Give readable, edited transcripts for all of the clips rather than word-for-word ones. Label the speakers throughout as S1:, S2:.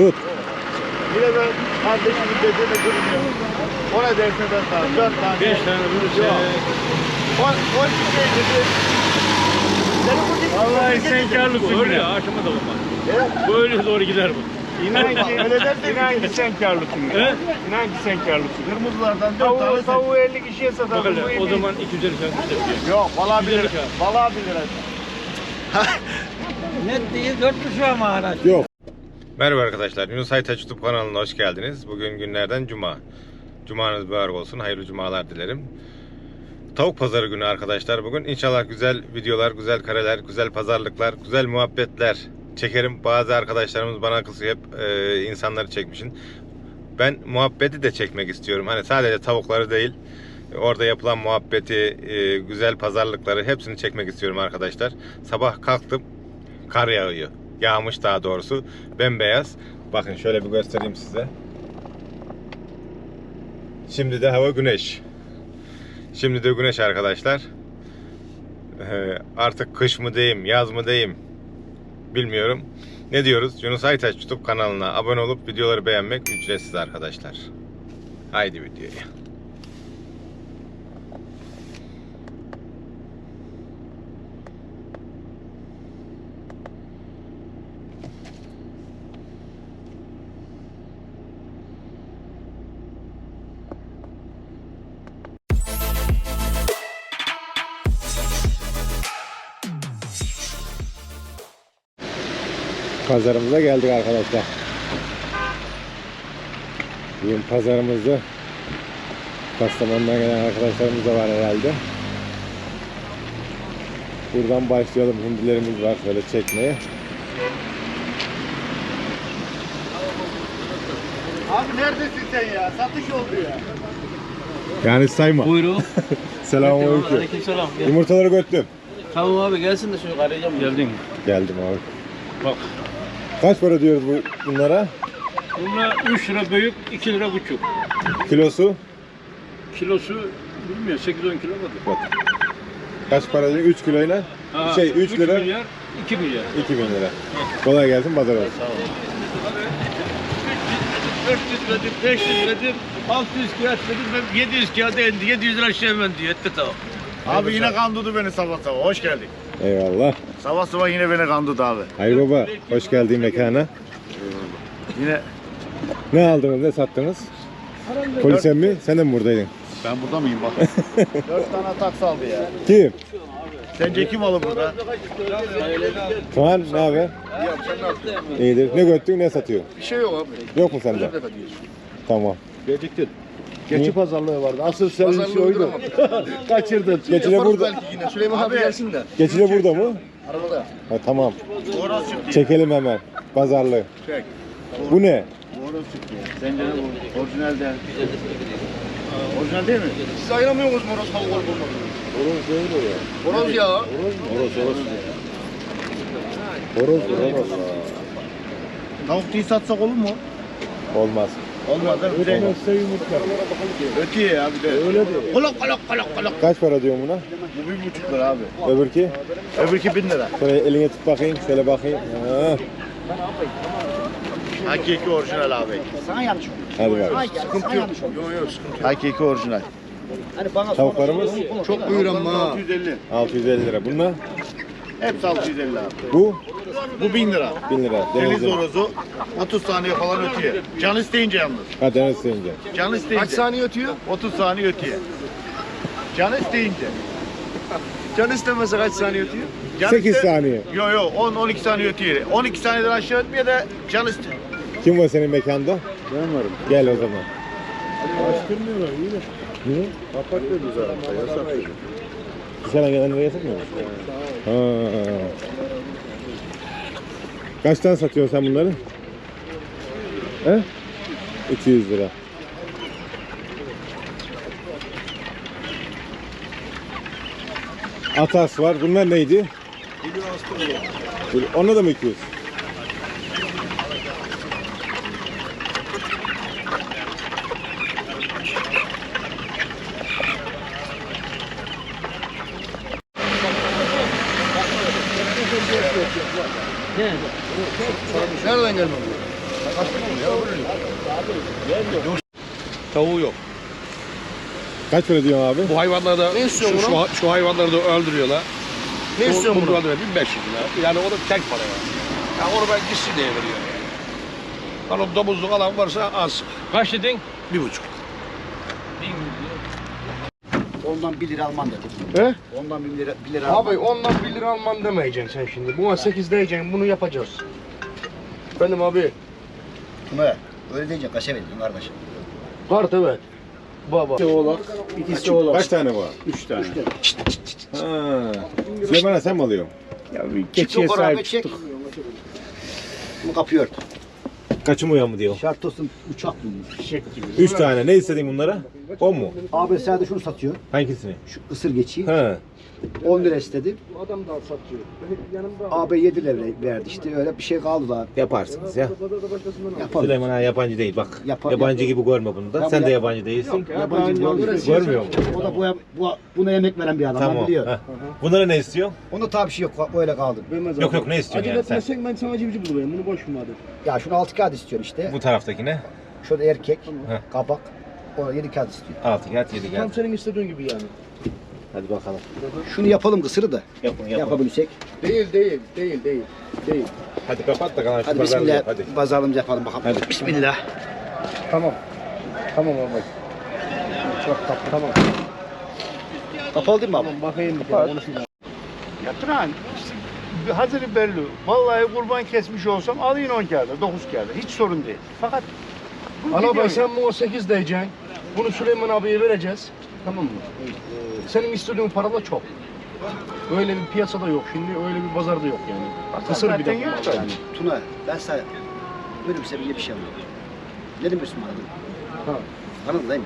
S1: Tut.
S2: Bir de ben kardeşimin dediğini durmuyor. O ne derse ben sana 4 tane.
S3: 5 tane bulursa.
S2: O şey dedi. Senin bu dik.
S3: Vallahi sen karlısın. Öyle aşama da olmaz. Böyle doğru gider bu.
S2: İnan ki öyle dersen
S3: İnan ki sen karlısın. He? İnan ki sen karlısın.
S2: kırmızılardan 4 tane.
S3: Tavuğu 50 kişiye satarım. O zaman 250 sen
S2: Yok vallahi 1 lira. Vallahi 1 lira.
S4: Net değil 4,5 ama araç.
S1: Yok.
S5: Merhaba arkadaşlar, Yunus Aytaç YouTube kanalına hoş geldiniz. Bugün günlerden Cuma. Cumanız mübarek olsun, hayırlı cumalar dilerim. Tavuk pazarı günü arkadaşlar bugün. İnşallah güzel videolar, güzel kareler, güzel pazarlıklar, güzel muhabbetler çekerim. Bazı arkadaşlarımız bana kızıyor, hep insanları çekmişsin. Ben muhabbeti de çekmek istiyorum. Hani sadece tavukları değil, orada yapılan muhabbeti, güzel pazarlıkları hepsini çekmek istiyorum arkadaşlar. Sabah kalktım, kar yağıyor. Yağmış daha doğrusu. Bembeyaz. Bakın şöyle bir göstereyim size. Şimdi de hava güneş. Şimdi de güneş arkadaşlar. Artık kış mı diyeyim, yaz mı diyeyim bilmiyorum. Ne diyoruz? Yunus Aytaç YouTube kanalına abone olup videoları beğenmek ücretsiz arkadaşlar. Haydi videoya.
S1: Pazarımıza geldik arkadaşlar. Bugün pazarımızda Kastamonu'dan gelen arkadaşlarımız da var herhalde. Buradan başlayalım. Hindilerimiz var şöyle çekmeye.
S2: Abi neredesin sen ya? Satış oldu ya.
S1: Yani sayma.
S4: Buyurun.
S1: Selamünaleyküm.
S4: Aleykümselam.
S1: Yumurtaları götürdüm.
S4: Tamam abi gelsin de şunu arayacağım.
S3: Geldin.
S1: Geldim abi.
S3: Bak.
S1: Kaç para diyoruz bunlara?
S3: Bunlar 3 lira büyük, 2 lira buçuk.
S1: Kilosu?
S3: Kilosu bilmiyorum 8-10 kilo vardır.
S1: Kaç para diyor? 3 kiloyla? 3 lira.
S3: 3 milyar, 2 milyar.
S1: 2000 lira. Kolay gelsin, pazar olsun.
S4: 400 verdim, 500 verdim, 600 kağıt verdim, ben 700 kağıda indi, 700 lira şey hemen diyor, etti tamam.
S2: Abi yine kandırdı beni sabah sabah. Hoş geldik.
S1: Eyvallah.
S2: Sabah sabah yine beni kandırdı abi.
S1: Hayır baba, hoş geldin mekana.
S2: Yine
S1: Ne aldınız, ne sattınız? Polise mi? Sen de mi buradaydın?
S2: ben burada mıyım bak. 4 tane taksi aldı ya.
S1: Kim?
S2: Sence kim alır burada?
S1: Kaan, ne haber? İyidir. Ne göttün, ne satıyor?
S2: Bir şey yok abi.
S1: Yok mu sende? Tamam.
S2: Geciktin.
S1: Niye?
S2: Geçi pazarlığı vardı. Asıl senin şey oydu. Kaçırdın.
S1: Geçile burada.
S2: Belki yine. Süleyman abi gelsin de.
S1: Geçile burada mı?
S2: Arabada.
S1: Ha, tamam.
S2: Horoz çıktı.
S1: Çekelim hemen. Pazarlığı.
S2: Çek.
S1: Bu ne?
S2: Horoz çıktı. Sence ne bu? Orijinal de. Orijinal değil mi? Siz ayıramıyor musunuz horoz tavuk olup olmadığını?
S1: Horoz değil o ya.
S2: Horoz ya.
S1: Horoz.
S2: Tavuk değil satsak olur mu?
S1: Olmaz.
S2: Olmaz değil mi?
S1: Ödemezse yumurtlar.
S2: Ötüye ya bir de. Öyle değil. Kolok.
S1: Kaç para diyor buna?
S2: Bu 1,5 lira abi.
S1: Öbürki?
S2: Öbürki 1000 lira.
S1: Şöyle eline tut bakayım. Şöyle bakayım. Ha.
S2: Hakiki orijinal abi.
S4: Sana yanlış oldu.
S1: Hadi bakalım.
S2: Sıkıntı yok. Yok sıkıntı yok. Hakiki orijinal.
S4: Hani bana
S1: Tavuklarımız
S2: Çok buyur ama. 650.
S1: 650 lira. Bunlar?
S2: Hepsi 650 abi.
S1: Bu
S2: Bu 1000 lira.
S1: 1000 lira.
S2: Deniz
S1: Denizli.
S2: horozu 30 saniye falan ötüyor. Can isteyince yalnız.
S1: Ha, deniz isteyince.
S2: Can isteyince.
S6: Kaç saniye ötüyor?
S2: 30 saniye ötüyor. Can isteyince.
S6: Can istemese kaç saniye ötüyor?
S2: Can
S1: 8 saniye.
S2: Yok 10-12 saniye ötüyor. 12 saniyeden aşağı ötmüyor da can istiyor.
S1: Kim var senin mekanda?
S6: Ben varım.
S1: Gel o zaman.
S6: Açtırmıyorlar iyi de.
S1: Niye?
S6: Kapak veriyoruz arabada yasak değil.
S1: Dışarıdan gelenlere yasak mı? Ha. Kaçtan satıyorsun sen bunları? He? 200 lira. Atas var. Bunlar neydi? Ona da mı 200?
S6: Nereden gelmem bu?
S4: Tavuğu yok.
S1: Kaç para diyorsun abi?
S4: Bu hayvanları da şu hayvanları da öldürüyorlar.
S2: Ne istiyorsun bunu?
S4: Bunu 1500 lira. Yani o da tek para yani. Ya onu ben gitsin diye veriyorum. Hani domuzluk alan varsa az.
S3: Kaç dedin?
S4: 1,5.
S2: Ondan 1 lira alman dedim.
S7: He?
S2: Ondan 1 lira alman.
S7: Abi ondan 1 lira alman demeyeceksin sen şimdi. Buna 8 diyeceksin, bunu yapacağız. Benim abi.
S2: Tuna öyle deyince kaça veriyorsun kardeşim?
S7: Kart evet. Baba. İkisi oğlak, ikisi oğlak.
S1: Kaç tane var?
S7: 3 tane.
S1: Ha. Süleyman'a sen mi alıyorsun?
S7: Ya bir
S2: Çık
S7: keçiye
S2: yukarı abi
S7: sahip
S2: çek.
S7: çıktık.
S2: Bunu kapıyı ört.
S1: Kaçımıyor mu diyor?
S2: Şart olsun uçak binmiş.
S7: Fişek gibi.
S1: 3 tane. Ne istedin bunlara? 10 mu?
S2: Abi sadece şunu satıyor.
S1: Hangisini?
S2: Şu ısır geçiyi.
S1: Ha.
S2: 10 lira istedi.
S7: Adam da satıyor. Yanımda
S2: Abi 7 lira verdi işte. Öyle bir şey kaldı da.
S1: Yaparsınız ya.
S2: Yapalım.
S1: Süleyman ha yabancı değil bak.
S2: Yapar-
S1: Yabancı gibi görme bunu da.
S2: Tamam,
S1: Sen de
S2: yap.
S1: yabancı değilsin.
S2: Yabancı
S1: Görmüyor mu?
S2: O da buna yemek veren bir adam.
S1: Tamam.
S2: Ben biliyor.
S1: Ha. Bunlara ne istiyor?
S2: Onda tabii bir şey yok. Öyle kaldı.
S1: Yok yok ne istiyorsun
S7: Acele
S1: yani sen?
S7: etmesen ben sana civciv bulayım. Bunu boş mu hadi?
S2: Ya şunu 6 kağıt istiyor işte.
S1: Bu taraftakine
S2: Şurada erkek,
S1: Heh.
S2: kapak. Ona 7 kağıt istiyor.
S1: 6 kağıt 7
S7: Tam
S1: kağıt.
S7: senin istediğin gibi yani.
S1: Hadi bakalım.
S2: Şunu yapalım kısırı da.
S1: Yapın yapın.
S2: Yapabilirsek.
S7: Değil.
S1: Hadi kapat da kalan şu
S2: Hadi
S1: pazarlığı
S2: bismillah.
S1: yap, hadi.
S2: Pazarlığımızı yapalım bakalım.
S1: Hadi.
S2: Bismillah.
S7: Tamam. Tamam abi. Çok tatlı. Tamam.
S2: Kapalı değil mi abi?
S7: Bakayım bir kere konuşayım.
S6: Yatıran işte hazırı belli. Vallahi kurban kesmiş olsam alayım 10 kağıda, 9 kağıda. Hiç sorun değil. Fakat bu
S7: Ana
S6: gidiyor
S7: bey
S6: ya.
S7: sen buna 8 diyeceksin. Bunu Süleyman abiye vereceğiz. Tamam mı? Senin istediğin para da çok. Öyle bir piyasada yok şimdi, öyle bir pazarda yok yani. Kısır bir de
S6: zaten yok
S7: bunlar
S6: da.
S7: yani.
S2: Tuna ben sana böyle bir sebeple bir şey anladım. Ne demiyorsun bana?
S7: Ha.
S2: Anladın değil mi?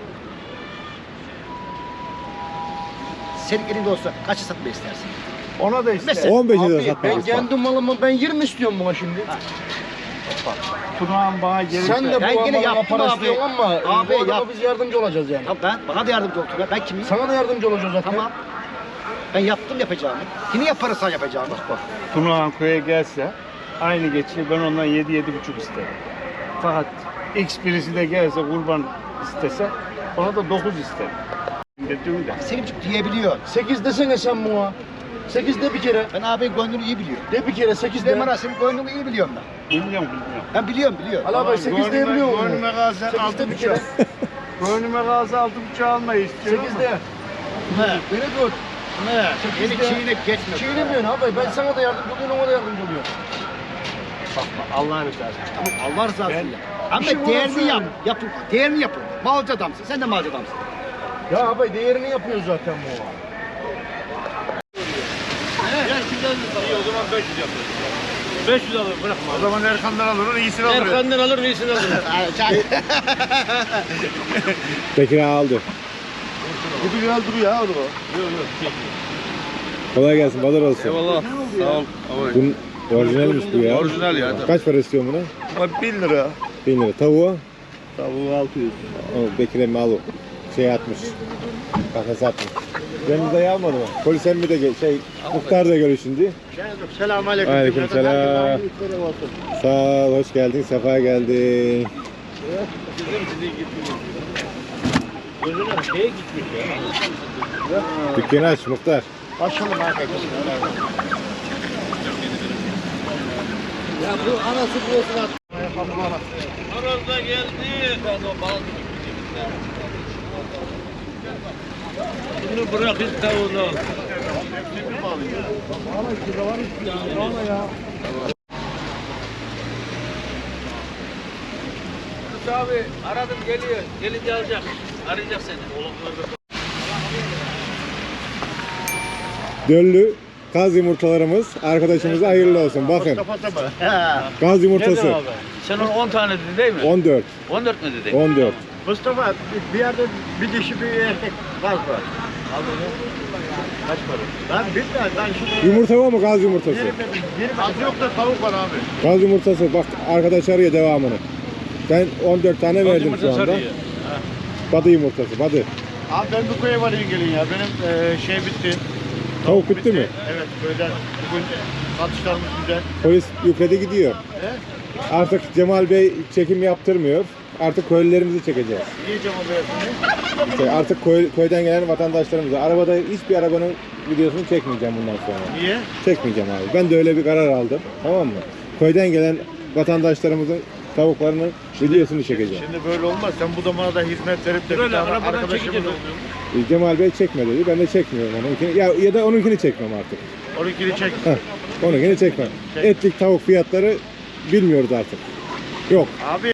S2: Senin elinde olsa kaça satmayı istersin?
S6: Ona da ister.
S2: Mesela-
S1: 15'i de
S7: Abi ben
S1: satmaz.
S7: kendi malımı ben 20 istiyorum buna şimdi.
S6: Tunağan bana gelirse.
S7: Sen de
S2: Ben
S7: bu
S2: yine
S7: malına
S2: yaptım
S7: para
S2: abi.
S7: istiyorsun ama
S2: Abi
S7: bu adama
S2: yap.
S7: biz yardımcı olacağız yani.
S2: Tamam bana da yardımcı ol Tuna. Ben kimiyim?
S7: Sana da yardımcı olacağız zaten.
S2: Tamam. Ben yaptım yapacağımı. Yine yaparız sen yapacağımı. Bak.
S6: Tunağan köye gelse aynı geçiyor. Ben ondan 7-7,5 isterim. Fakat X birisi de gelse kurban istese ona da 9 isterim. Dedim de.
S2: Senin diyebiliyor.
S7: 8 desene sen buna. 8 de bir kere.
S2: Ben abinin gönlünü iyi biliyorum.
S7: De bir kere 8 de.
S2: Süleyman senin gönlünü iyi biliyorum ben.
S6: Bilmiyorum.
S2: Ben biliyorum.
S7: Ali abi 8 de biliyor musun?
S6: Gönlüme kalsa
S7: 8 de bir kere.
S6: 6,5. Gönlüme kalsa 6,5 almayı istiyorum.
S7: 8 de.
S2: He.
S7: Beni dur.
S2: Ne? Beni
S7: Sekizde.
S2: çiğneyip geçme.
S7: Çiğnemiyorsun abi. Ben sana da yardımcı oluyorum, ona da yardımcı oluyorum.
S6: Allah'ın rızası.
S2: Tamam Allah rızası için yap. Ama
S7: İşim
S2: değerini
S7: orası.
S2: yap. Yapın. Değerini yapın. Malcı adamsın. Sen de malcı adamsın.
S7: Ya abi değerini yapıyoruz zaten bu.
S3: İyi o zaman 500 yapıyoruz. 500 alır bırakma.
S6: O zaman Erkan'dan alır, iyisini alır.
S3: Erkan'dan alır iyisini alır.
S1: Bekir ağa aldı.
S6: Bu güzel duruyor ha o da.
S1: Kolay gelsin, pazar olsun.
S4: Eyvallah. Sağ ol.
S1: Bunun orijinalmiş bu ya.
S4: Orijinal ya.
S1: Kaç para istiyorsun buna?
S6: Bak 1000 lira.
S1: 1000 lira. Tavuğa?
S6: Tavuğu 600.
S1: O Bekir emmi al o. Şey atmış. Kafese atmış. Deniz dayı almadı mı? Polis emmi de muhtar da görüyor şimdi.
S6: Selamünaleyküm.
S1: Aleyküm selam. Sağ ol, hoş geldin, sefa geldin. Dükkanı aç muhtar.
S6: Açalım arkadaşlar.
S3: Arada geldi. Bunu bırak hiç tavuğunu. Abi aradım geliyor. Gelince alacak. Arayacak seni.
S1: Döllü kaz yumurtalarımız arkadaşımıza hayırlı olsun. Bakın. Kaz yumurtası.
S3: Sen onu 10 tane dedin değil mi?
S1: 14.
S3: 14 mü dedin?
S1: 14.
S6: Mustafa bir yerde bir dişi bir erkek var. Kaç para? Ben bilmiyorum. Ben şimdi
S1: Yumurta var mı kaz yumurtası?
S6: az yok da tavuk var abi.
S1: Kaz yumurtası bak arkadaş arıyor devamını. Ben 14 tane verdim şu anda. Badı yumurtası, badı.
S6: Abi ben bu köye varayım gelin ya. Benim şey bitti.
S1: Tavuk bitti mi?
S6: Evet köyden bugün satışlarımız güzel.
S1: Polis yükledi gidiyor. Artık Cemal Bey çekim yaptırmıyor. Artık köylülerimizi çekeceğiz.
S2: Niye Cemal Bey?
S1: İşte artık köyden gelen vatandaşlarımıza. Arabada hiçbir arabanın videosunu çekmeyeceğim bundan sonra.
S2: Niye?
S1: Çekmeyeceğim abi. Ben de öyle bir karar aldım. Tamam mı? Köyden gelen vatandaşlarımızın tavuklarının videosunu çekeceğim.
S2: Şimdi böyle olmaz. Sen bu zamana da hizmet verip de bir
S3: Böyle
S2: tane
S3: arabadan
S2: arkadaşımız
S3: çekince de oluyor.
S1: Cemal Bey çekme dedi. Ben de çekmiyorum onunkini. Ya da onunkini çekmem artık.
S2: 12'ni çek.
S1: Heh, onunkini çekmem. Etlik tavuk fiyatları bilmiyoruz artık. Yok.
S2: Abi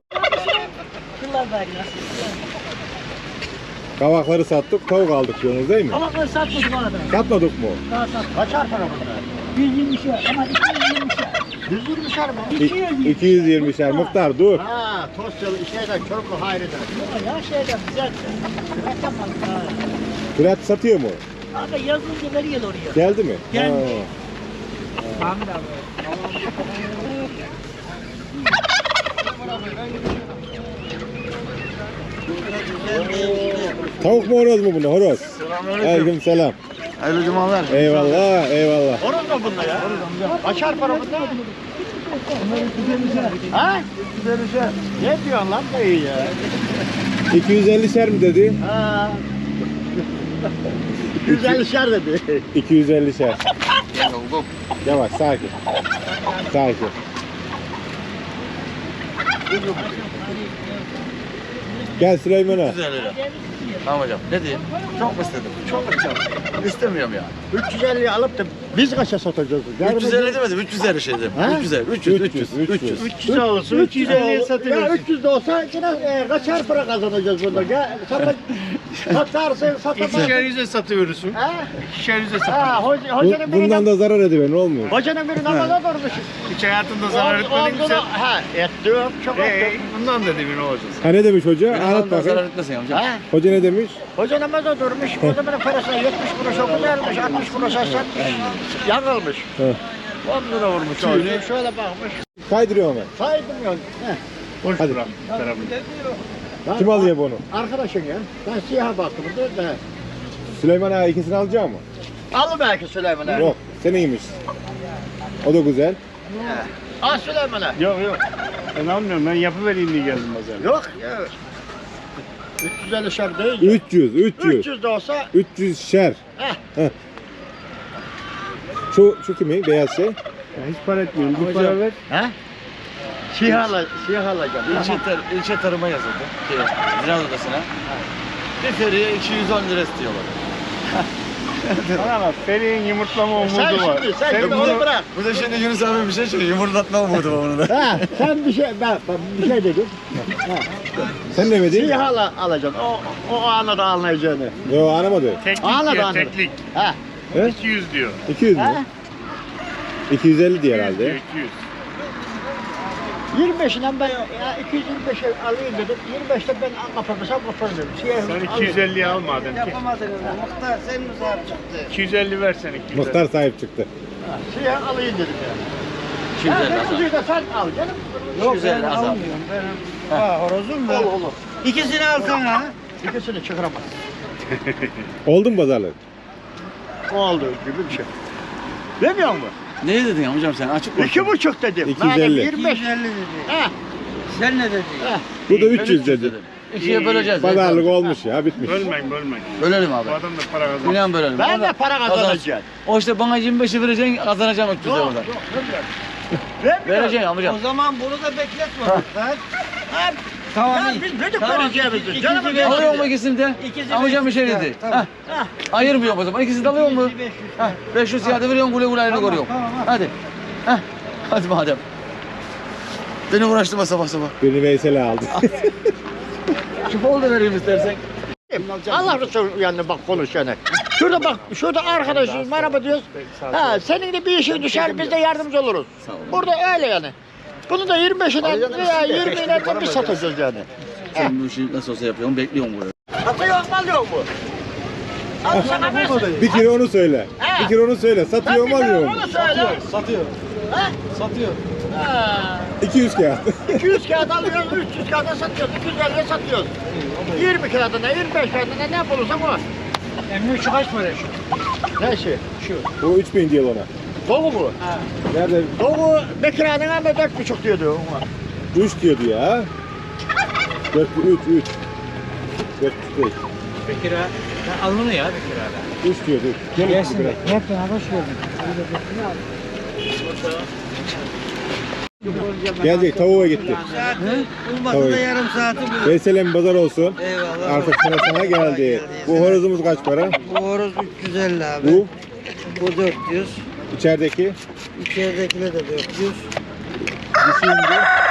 S1: Kavakları sattık, tavuk aldık diyorsunuz değil mi?
S8: Kavakları satmadık arada.
S1: Satmadık mı?
S8: Daha satmadık.
S7: Kaçar para bunlar?
S8: 120'şer ama 220'şer.
S7: 120'şer mi?
S1: 220'şer. Muhtar dur.
S7: Ha, Tosyalı şeyden, Çoruklu Hayri'den.
S8: Ya şeyden güzel. Yapamadık ha.
S1: Fırat satıyor mu?
S8: Abi yazınca veriyor oraya.
S1: Geldi mi?
S8: Geldi.
S1: Ha.
S8: Ahmet abi.
S1: Tavuk mu horoz mu bunu? Horoz. Aleyküm selam.
S2: hayırlı cumalar.
S1: Eyvallah, eyvallah.
S7: Horoz mu bunda ya? Kaçar para bunda? Ha? Ne diyorsun lan dayı ya?
S1: 250'şer mi dedi?
S7: Ha. 150'şer dedi.
S1: 250'şer. Yavaş, sakin. Sakin. Gel Süleyman'a.
S2: 350 lira. Tamam hocam. Ne diyeyim? Çok mu istedim? Çok istedim. İstemiyorum ya.
S7: 350'yi alıp da biz kaça satacağız?
S2: 350 demedim. 350 şey dedim.
S7: Ha?
S2: 300.
S7: 300 olsun. 350'ye satıyoruz. Ya 300 de olsa yine kaçar para kazanacağız bunda? Gel satarsın satamazsın.
S6: İkişer yüze satıyoruz.
S7: Ha?
S6: İkişer yüze
S7: Ha, hocanın biri
S1: Bundan da zarar ediver, ne olmuyor?
S7: hocanın biri namaza durmuş.
S6: Hiç hayatında zarar etmedin mi sen?
S7: Ha, ettim. Çok ettim.
S6: Bundan da demin olacağız.
S1: Ha ne demiş hoca? Anlat bakayım.
S2: etmesin amca.
S7: Ha?
S1: Hoca ne demiş?
S7: Hoca namaza durmuş. O zamanın parasına 70 kuruş o güzelmiş. 60 kuruşa satmış. Yanılmış.
S1: He.
S7: 10 lira vurmuş. Şöyle bakmış.
S1: Kaydırıyor mu?
S7: Saydım yok.
S6: Boş
S1: Hadi.
S6: bırak tarafını.
S1: Kim alıyor bunu?
S7: Arkadaşın ya. Ben siyaha baktım. Da.
S1: Süleyman ağa ikisini alacak mı?
S7: Al belki Süleyman'a.
S1: Yok, seniymiş. O da güzel.
S7: Al Süleyman'a.
S6: Yok. Ben almıyorum. Ben yapıvereyim diye geldim pazara.
S7: Yok. 350 şer değil.
S1: 300.
S7: 300 de olsa
S1: 300 şer.
S7: Heh.
S1: Şu kimin? Beyaz şey.
S6: Ya hiç para etmiyorum. Bir para ver.
S7: he? Siyah alacağım.
S2: İlçe tarıma yazıldı. Ziraat odasına. Bir feriye 210 lira istiyorlar.
S6: Bana bak, Feri'nin yumurtlama umudu
S7: Sen
S6: var.
S7: şimdi sen onu bırak.
S2: Bu da şimdi Yunus abi bir şey söylüyor. Yumurtlatma umudu var onu da.
S7: Ha, sen ben bir şey dedim.
S1: Sen demedin.
S7: Siyah alacaksın. O anı anlayacağını.
S1: Yo, anlamadı.
S6: Teklik
S7: Anladı,
S6: diyor,
S7: anladı.
S6: teklik.
S7: Ha.
S1: He?
S6: 200 diyor.
S1: 200 mü?
S7: Ha?
S1: 250 diye
S6: 200
S1: herhalde.
S6: diyor, 200.
S7: 25'inden ben ya 225'e alayım dedim. 25'te ben kapatırsam kaparım.
S6: Sen 250'yi al madem.
S8: Yapamadınız. Muhtar sen mi sahip çıktı?
S6: 250 versene 250.
S1: Muhtar sahip çıktı.
S7: Siyah alayım dedim ya.
S2: 250
S7: Ya
S2: azam.
S7: kuzuyu da sen al canım.
S2: 250 azam.
S8: Horozum da.
S7: Olur.
S8: İkisini alsana.
S7: İkisini çıkaramaz.
S1: Oldu mu pazarlık?
S7: O aldığı gibi bir şey. Demiyor mu?
S2: Ne dedin amcam sen? Açık konuş.
S7: 2,5 dedim.
S1: 250.
S7: 25.
S8: 250 dedi.
S7: Ha.
S8: Sen ne dedin?
S1: Bu da 300 dedi.
S2: İkiye böleceğiz.
S1: Pazarlık olmuş ya, bitmiş.
S6: Bölmeyin.
S2: Bölelim abi.
S6: Bu adam da para kazanır.
S2: İnan bölelim.
S7: Ben
S2: Ona-
S7: de para kazanacağım.
S2: O işte bana 25'i vereceksin, kazanacaksın 300 lira oradan. Vereceksin amcam.
S8: O zaman bunu da bekletme. Ha? Tamam.
S7: Ya
S8: iyi.
S7: biz dedik
S8: Tamam.
S7: vereceğimizi.
S8: İkisi
S7: Canım
S8: beş-
S2: Alıyor mu ikisini de?
S8: İkisi
S2: Amcam bir şey
S8: 500
S2: dedi.
S8: Tamam.
S2: Hah. Ayırmıyor o zaman. İkisini de alıyor mu?
S8: 500.
S2: Hah. 500 ziyade veriyorsun, güle güle ayrını
S8: Tamam,
S2: koruyorsun.
S8: tamam, tamam.
S2: Hadi. Hah. Hadi madem. Beni uğraştırma sabah sabah.
S1: Birini Veysel'e aldı.
S2: Şu bol da vereyim istersen.
S7: Allah Resulü yanına bak konuş yani. Şurada bak, şurada arkadaşız, merhaba diyoruz. Ha, senin de bir işin düşer, biz de yardımcı oluruz. Burada öyle yani. Bunu da 25'inden veya 20'inden biz satacağız yani.
S2: Sen bu işi nasıl olsa yapıyorsun, bekliyorum buraya.
S7: Satıyor mu, alıyor mu? Al sana versin.
S1: Bir kere onu söyle. Bir kere onu söyle. Satıyor mu alıyor mu?
S7: Onu söyle.
S2: Satıyor.
S7: Ha?
S2: Satıyor.
S7: Ha.
S1: 200 kağıt.
S7: 200 kağıt alıyoruz, 300 kağıda satıyoruz, 250'ye satıyoruz. 20 kağıdına, 25 kağıdına ne bulursak o.
S8: Emmi şu kaç para şu?
S7: Ne şey?
S1: O 3000 diyor ona.
S7: Soğuk mu?
S1: Nerede?
S7: Soğuğu Bekir Ağa'nın ama 4,5 diyordu.
S1: 3 diyordu ya. 4, 3. 4 değil.
S3: Bekir ağa. Sen alnını ya Bekir ağa.
S1: 3 diyordu.
S8: Gelsin de. Hep beraber hoş geldin.
S1: Gelecek, tavuğa gitti.
S8: Olmasa da yarım saati bu.
S1: Veselem pazar olsun.
S8: Eyvallah.
S1: Artık sana geldi. Bu horozumuz kaç para?
S8: Bu horoz 350 abi.
S1: Bu
S8: Bu 400.
S1: içerideki
S8: İçeridekiler de 400.
S1: dişi indi.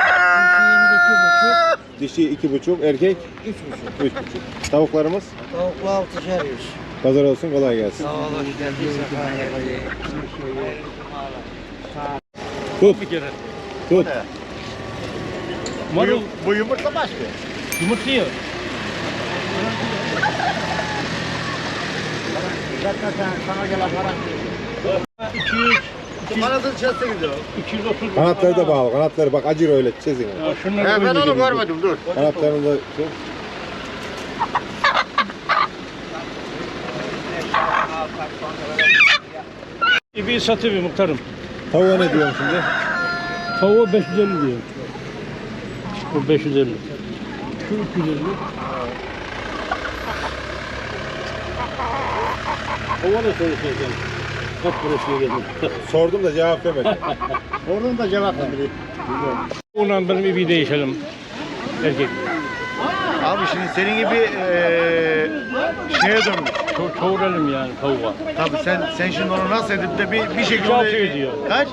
S8: Dişinin 2,5.
S1: Dişi 2,5, erkek
S8: 3,5.
S1: 3,5. Tavuklarımız
S8: Tavuklu 6'şer 100.
S1: pazar olsun, kolay gelsin.
S8: Sağ ol, hoş geldin.
S1: Tut. Tut.
S3: Marul
S7: Bu yumurta başka.
S3: yumurtluyor.
S7: Zaten sana gelen para.
S3: 200,
S7: Kanadın çetse gidiyor.
S3: 230.
S1: Kanatları da bağlı. Kanatları bak acır öyle çizin.
S3: Ya şunları
S7: Ben onu görmedim, dur.
S1: Kanatlarını da
S3: bir satıyor muhtarım.
S1: tavuğa ne diyorsun şimdi?
S3: Tavuğu 550 diyor. Bu 550. Şu 350. Tavuğa da söyleyeceğim. Kaç parasına geldim.
S1: Sordum da cevap vermedi.
S7: Oradan da cevap verdi.
S3: Ondan benim bir değişelim. Erkek.
S2: Abi şimdi senin gibi şeye dönmüş.
S3: Çoğuralım yani tavuğa.
S2: Tabii sen şimdi onu nasıl edip de bir şekilde...
S3: 2,600 diyor.
S2: Kaç?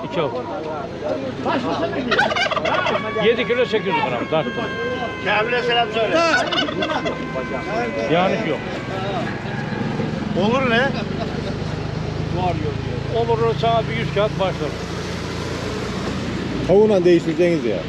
S3: 2,600. 7 kilo 800 gram tarttım.
S7: Kamil'e selam söyle.
S3: Yanlış yok.
S2: Olur ne?
S3: Olur sana bir 100 kağıt başlar.
S1: Tavuğla değiştireceğiniz ya.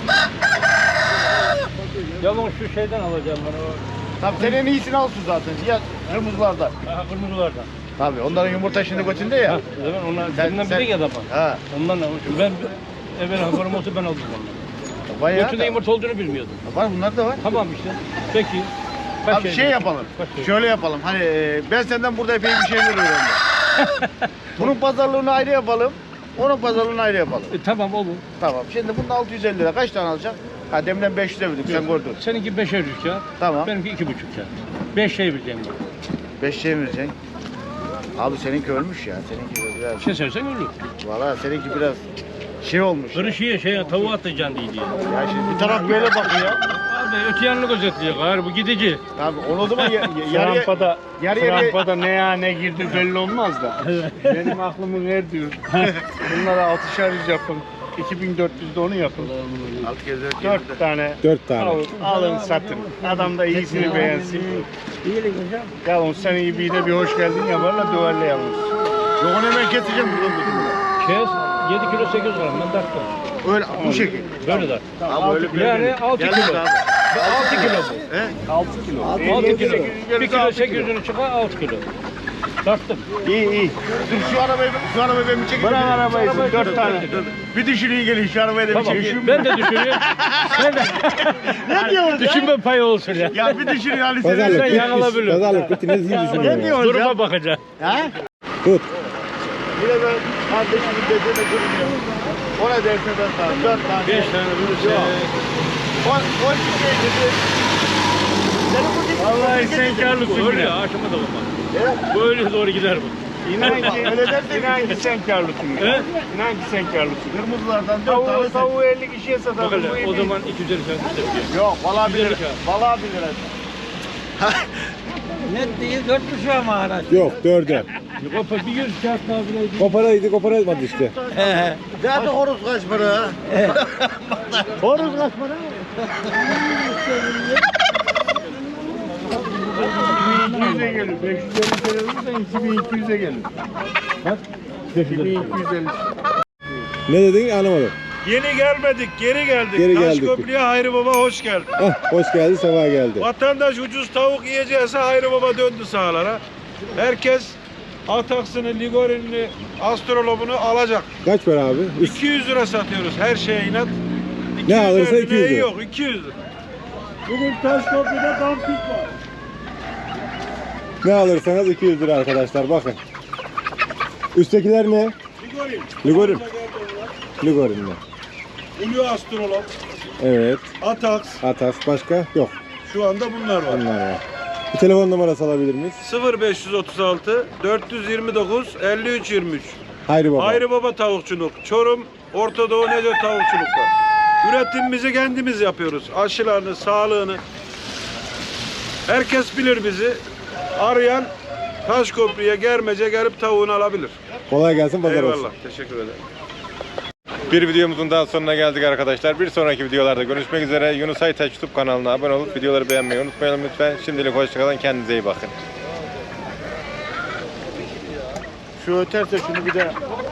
S3: Yalnız şu şeyden alacağım ben o.
S2: Tabii sen en iyisini alsın zaten. Ya kırmızılardan.
S3: Aha, kırmızılardan.
S2: Tabii onların yumurta şimdi götünde ya.
S3: Ha, zaman onlar
S2: Sen-
S3: senden
S2: sen-
S3: biri ya da bana.
S2: Ha.
S3: Ondan da almışım. Ben evvel haberim olsa ben aldım onları.
S2: Bayağı
S3: Götünde
S2: da.
S3: yumurta olduğunu bilmiyordum.
S2: Var bunlar da var.
S3: Tamam işte. Peki. Kaç
S2: Abi şey yapalım.
S3: Kaç şey?
S2: Şöyle yapalım. Hani ben senden burada epey bir şeyler öğrendim. Bunun pazarlığını ayrı yapalım. Onun pazarlığını ayrı yapalım.
S3: Tamam olur.
S2: Tamam. Şimdi bunun 650 lira. Kaç tane alacaksın? Ha demden 500 demedik. Sen gördün.
S3: Seninki 5'er 100 kağıt.
S2: Tamam.
S3: Benimki 2,5 kağıt. 5 şey bileceğim ben.
S2: 5 şey mi vereceksin? Abi seninki ölmüş ya. Seninki biraz...
S3: Kesersen ölür.
S2: Valla seninki biraz şey olmuş.
S3: Kırışıya tavuğu atacaksın diye.
S2: Ya şimdi bir taraf böyle bakıyor.
S3: Abi öte yanını gözetliyor. Gayrı bu gidici.
S2: Abi onu o zaman yarıya...
S6: Rampada,
S2: yarıya-
S6: rampada ne ya ne girdi belli olmaz da. Benim aklımı erdiyor. Bunlara 6'şer 100 yapın. 2400'de onu yapın.
S2: 6 kez
S6: 4 tane
S1: 4 tane.
S6: alın satın. Adam da iyisini beğensin. Yalın sen iyi bir de bir hoş geldin yaparla duvarla yalnız.
S2: Yok onu hemen keseceğim buradan tutun.
S3: Kes 7 kilo 800 gram ben tarttım.
S2: Öyle bu şekil.
S3: Böyle dart.
S2: Abi öyle
S3: Yani 6
S2: Gelmez
S3: kilo.
S2: abi.
S3: 6 kilo bu.
S2: He?
S6: 6 kilo.
S3: 6 kilo. 1
S2: 800
S3: kilo
S2: 6 kilo.
S3: 800'ünü çıkar 6 kilo. Tarttım.
S6: İyi iyi.
S2: Dur şu arabayı ben bir çekeyim.
S6: Bırak arabayı 4 tane.
S2: Bir düşünün gelin şu arabayı da bir
S3: Tamam.
S2: çekeyim.
S3: Ben de düşünüyorum. Sen de.
S2: Ne diyorsun
S3: Düşünme payı olsun ya.
S2: ya? Bir düşünün Ali
S1: Pazarlık
S3: Sen
S1: bitmiş.
S3: yanılabilir.
S1: Pazarlık bitti. Ne düşünüyorsun ya?
S2: diyorsun
S3: Duruma bakacağım.
S1: Tut.
S2: Yine ben kardeşimin dediğine durmuyorum. Ona derse ben sana 4 tane.
S3: 5 tane bulursa.
S2: O şey dedi. Senin bu değil.
S6: Vallahi sen karlısın
S3: Öyle
S6: yine.
S3: ya aşama da olmaz. Böyle doğru gider bu.
S6: İnan ki sen karlısın.
S3: He?
S6: İnan ki sen karlısın.
S2: Kırmızılardan 4 tane.
S6: Tavuğu 50 kişiye
S3: Bak
S6: satalım.
S3: hele o zaman 250 kağıt istedim.
S2: Yok valla 1
S3: Güzel
S2: lira.
S3: kağıt.
S2: Valla 1 lira.
S8: Net değil 4,5 ama araç.
S1: Yok 4'e.
S3: Bir 100 kağıt daha bile.
S1: Koparaydı koparamadı işte.
S2: Nerede horoz kaç para?
S7: Horoz kaç para?
S6: 2200'e gelir. 550 kere olursa 2200'e gelir.
S1: Bak.
S6: 2250.
S1: Ne dedin anlamadım.
S4: Yeni gelmedik, geri geldik.
S1: Geri geldik.
S4: Taşköprü'ye Hayri Baba hoş geldin.
S1: Hoş geldin, sefa geldi.
S4: Vatandaş ucuz tavuk yiyeceğse Hayri Baba döndü sahalara. Herkes Ataksını, Ligorin'ini, Astrolob'unu alacak.
S1: Kaç para abi?
S4: 200 lira satıyoruz her şeye inat.
S1: Ne alırsa 200 lira.
S4: Yok 200 lira.
S6: Bugün Taşköprü'de dampik var.
S1: Ne alırsanız 200 lira arkadaşlar bakın. Üsttekiler ne?
S4: Ligorin.
S1: Ligorin.
S4: Geldi onlar.
S1: Ligorin'le.
S4: Ulu Astrolog,
S1: Evet.
S4: Atax.
S1: Atas başka? Yok.
S4: Şu anda bunlar var.
S1: Bunlar var. Bir telefon numarası alabilir miyiz?
S4: 0536 429 53 23.
S1: Hayri Baba.
S4: Hayri Baba Tavukçuluk. Çorum Orta Doğu Neco Tavukçuluk'ta. Üretimimizi kendimiz yapıyoruz. Aşılarını, sağlığını. Herkes bilir bizi. Arayan Taşköprü'ye, Germece gelip tavuğunu alabilir.
S1: Kolay gelsin, pazar
S4: Eyvallah.
S1: olsun.
S4: Teşekkür ederim.
S5: Bir videomuzun daha sonuna geldik arkadaşlar. Bir sonraki videolarda görüşmek üzere. Yunus Aytaç YouTube kanalına abone olup videoları beğenmeyi unutmayalım lütfen. Şimdilik hoşçakalın. Kendinize iyi bakın.
S2: Şu öterse şunu bir de